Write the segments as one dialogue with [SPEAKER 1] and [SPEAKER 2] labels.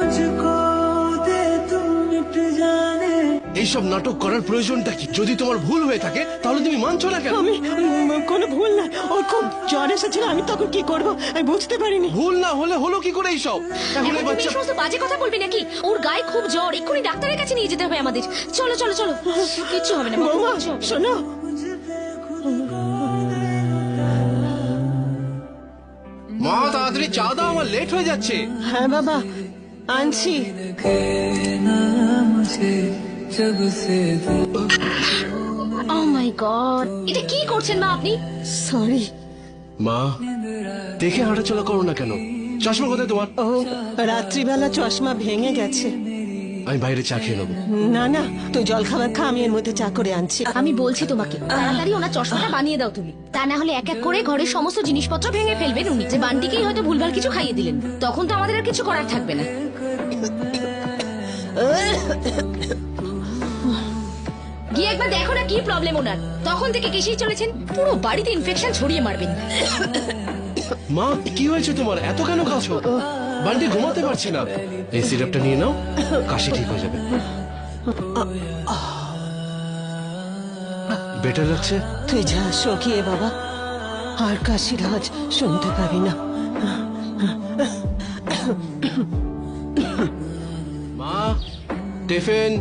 [SPEAKER 1] এইসব নাটক করার প্রয়োজনটা কি? যদি তোমার ভুল হয়ে থাকে তাহলে তুমি মানছো না কেন?
[SPEAKER 2] আমি কোনো ভুল না, ওর খুব জ্বর এসেছিল, আমি তখন কি করব আমি বুঝতে পারিনি।
[SPEAKER 1] ভুল না হলে হলো কি করে এইসব? এখন এই বাচ্চা
[SPEAKER 3] সমস্ত বাজে কথা বলবি নাকি? ওর গায়ে খুব জ্বর, এক্ষুনি ডাক্তারের কাছে নিয়ে যেতে হবে আমাদের। চলো চলো চলো, কিচ্ছু হবে না।
[SPEAKER 2] বৌমা শোনো,
[SPEAKER 1] মা তাড়াতাড়ি চা দাও, আমার লেট হয়ে যাচ্ছে।
[SPEAKER 2] হ্যাঁ বাবা আনছি।
[SPEAKER 3] ও মাই গড, এটা কি করছেন মা আপনি?
[SPEAKER 2] সরি
[SPEAKER 1] মা দেখে হাঁটাচলা করো না কেন? চশমা কোথায় তোমার?
[SPEAKER 2] ও রাত্রিবেলা চশমা ভেঙে গেছে।
[SPEAKER 1] আমি বাইরে চা খেয়ে নেবো।
[SPEAKER 2] না না, তুই জল খাবার খা, আমি এর মধ্যে চা করে আনছি।
[SPEAKER 3] আমি বলছি তোমাকে তাড়াতাড়ি ওনার চশমাটা বানিয়ে দাও তুমি, তা না হলে এক এক করে ঘরের সমস্ত জিনিসপত্র ভেঙে ফেলবেন উনি। যে বান্টিকেই হয়তো ভুলভাল কিছু খাইয়ে দিলেন, তখন তো আমাদের আর কিছু করার থাকবে না। গিয়ে একবার দেখো না কি প্রবলেম ওনার। তখন থেকে কেসেই চলেছেন, পুরো বাড়িতে ইনফেকশন ছড়িয়ে মারবেন।
[SPEAKER 1] মা কি হয়েছে তোমার? এত কেন কাছো? বান্টি ঘুমাতে পারছি না। এই সিরাপটা নিয়ে নাও, কাশি ঠিক হয়ে যাবে। বেটার লাগছে?
[SPEAKER 2] তুই যা শোকিয়ে বাবা, আর কাশির আওয়াজ শুনতে পাবি না।
[SPEAKER 1] মা টিফিন।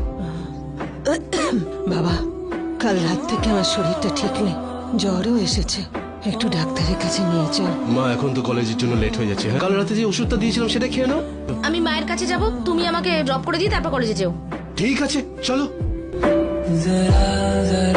[SPEAKER 2] বাবা কাল রাত থেকে আমার শরীরটা ঠিক নেই, জ্বরও এসেছে, একটু ডাক্তারের কাছে নিয়ে চল।
[SPEAKER 1] মা এখন তো কলেজের জন্য লেট হয়ে যাচ্ছে। কাল রাতে যে ওষুধটা দিয়েছিলাম সেটা খেয়ে নাও।
[SPEAKER 3] আমি মায়ের কাছে যাব, তুমি আমাকে ড্রপ করে দিয়ে তারপর কলেজে যেও।
[SPEAKER 1] ঠিক আছে চলো।